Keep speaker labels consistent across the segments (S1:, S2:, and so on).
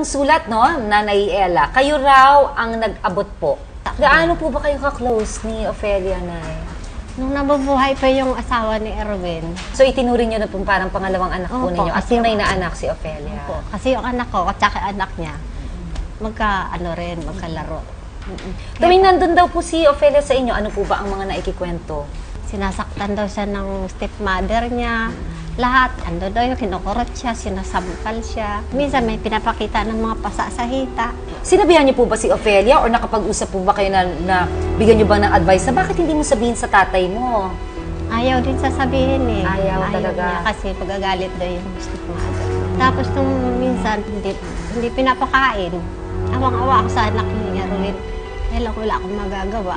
S1: ang sulat, no, Nanay Ella, kayo raw ang nag-abot po. Gaano po ba kayo ka-close ni Ofelia, Nay?
S2: Nung nabubuhay pa yung asawa ni Erwin.
S1: So, itinuring nyo na po parang pangalawang anak po ninyo at tunay na anak si Ofelia.
S2: Opo, kasi yung anak ko at saka anak niya, magkalaro.
S1: Tuwing nandun daw po si Ofelia sa inyo, ano po ba ang mga naikikwento?
S2: Sinasaktan daw siya ng stepmother niya. Lahat, ando daw yung kinukurot siya, sinasampal siya. Minsan may pinapakita ng mga pasa sa hita.
S1: Sinabihan niyo po ba si Ofelia or nakapag-usap po ba kayo na bigyan niyo ba ng advice na bakit hindi mo sabihin sa tatay mo?
S2: Ayaw din sasabihin eh.
S1: Ayaw talaga.
S2: Niya kasi pagagalit daw yung stepmother. Tapos nung minsan, hindi pinapakain. Awang-awa ako sa anak ni Erwin. Kaya wala akong magagawa.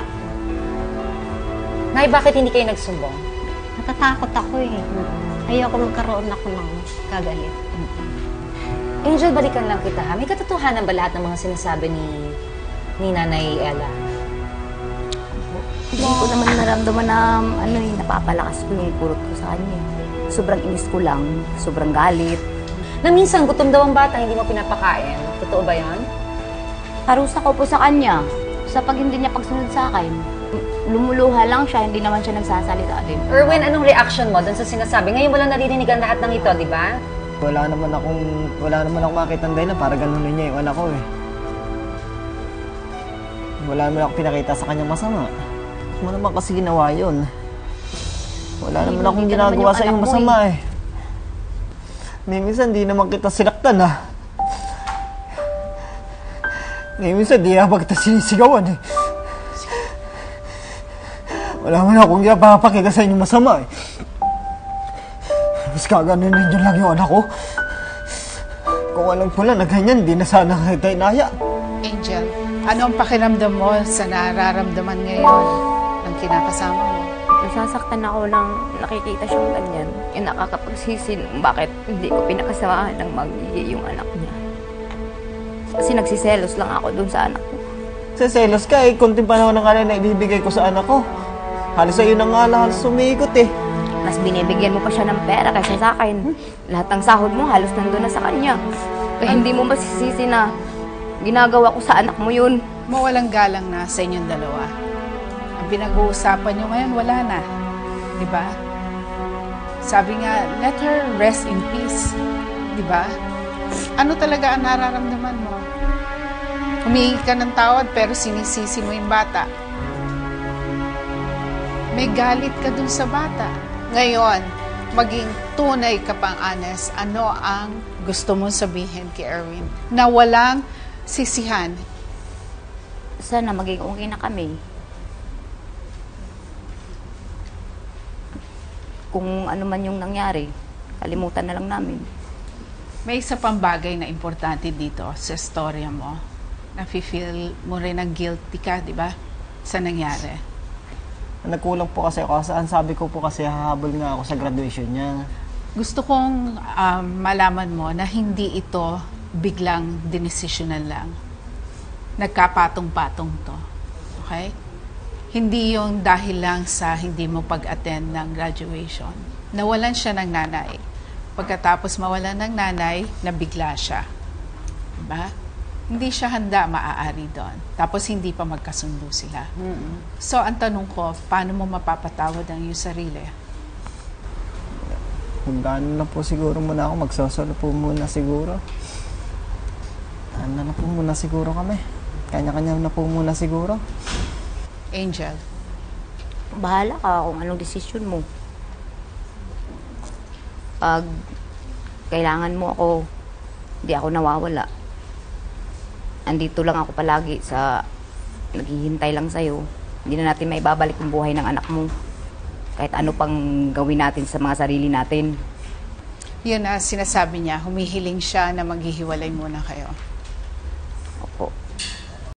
S1: Nay, bakit hindi kayo nagsumbong?
S2: Natatakot ako eh. Ayoko magkaroon ako ng kagalit.
S1: Angel, balikan lang kita ha. May katotohanan ba lahat ng mga sinasabi ni Nanay Ella?
S3: Hindi ko naman naramdaman na napapalakas ko yung kurot ko sa kanya. Sobrang inis ko lang, sobrang galit.
S1: Na minsan gutom daw ang bata, hindi mo pinapakain. Totoo ba yan?
S3: Parusa ko po sa kanya, sa pag hindi niya pagsunod sa akin. Lumuluha lang siya, hindi naman siya nagsasalita din.
S1: Erwin, anong reaction mo dun sa sinasabi? Ngayon mo lang naririnig ang lahat ng ito, di ba?
S4: Wala naman akong makitang dahilan para ganunin niya yung anak ko eh. Wala naman ako pinakita sa kanya masama. Mo naman kasi ginawa yun. Wala naman akong ginagawa sa iyo masama eh. Minsan di naman kita sinaktan ha. Minsan di naman kita sinisigawan eh. Wala naman akong ginapapakita sa inyo masama eh. Mas kaganunin niyo lang yung anak ko. Kung alam ko lang na ganyan, di na sana kita inaya.
S5: Angel, ano ang pakiramdam mo sa nararamdaman ngayon ng kinakasama mo?
S6: Nasasaktan ako nang nakikita siyang ganyan. Nakakapagsisi bakit hindi ko pinakasamahan ng magiging yung anak niya. Kasi nagsiselos lang ako dun sa anak ko.
S4: Seselos ka eh, kunting panahon na nga na ibibigay ko sa anak ko. Halos sa'yo na nga lang, halos sumiikot eh.
S6: Mas binibigyan mo pa siya ng pera kaysa sa akin. Lahat ng sahod mo halos nandun na sa kanya. Kaya hindi mo masisisi na ginagawa ko sa anak mo yun.
S5: Mawalang galang na sa inyong dalawa. Ang pinag-uusapan nyo ngayon, wala na. Diba? Sabi nga, let her rest in peace. Diba? Ano talaga ang nararamdaman mo? Humingi ka ng tawad pero sinisisi mo yung bata. May galit ka dun sa bata. Ngayon, maging tunay ka pang honest. Ano ang gusto mong sabihin kay Erwin? Na walang sisihan.
S3: Sana maging okay na kami. Kung ano man yung nangyari, kalimutan na lang namin.
S5: May isa pang bagay na importante dito sa storya mo. Nafe-feel mo rin na guilty ka, di ba? Sa nangyari.
S4: Nagkulang po kasi ako. Saan sabi ko po kasi hahabol nga ako sa graduation niya.
S5: Gusto kong malaman mo na hindi ito biglang dinesisyonan lang. Nagkapatong-patong to. Okay? Hindi yung dahil lang sa hindi mo pag-attend ng graduation. Nawalan siya ng nanay. Pagkatapos mawalan ng nanay, nabigla siya. Diba? Hindi siya handa maaari doon. Tapos hindi pa magkasundo sila. So, ang tanong ko, paano mo mapapatawad ang iyong sarili?
S4: Magkano na po siguro muna ako. Magsosolo po muna siguro. Ano na po muna siguro kami. Kanya-kanya na po muna siguro.
S5: Angel.
S3: Bahala ka kung anong desisyon mo. Pag kailangan mo ako, hindi ako nawawala. Andito lang ako palagi sa naghihintay lang sa'yo. Hindi na natin maibabalik ang buhay ng anak mo. Kahit ano pang gawin natin sa mga sarili natin.
S5: Yun na sinasabi niya, humihiling siya na maghihiwalay muna kayo.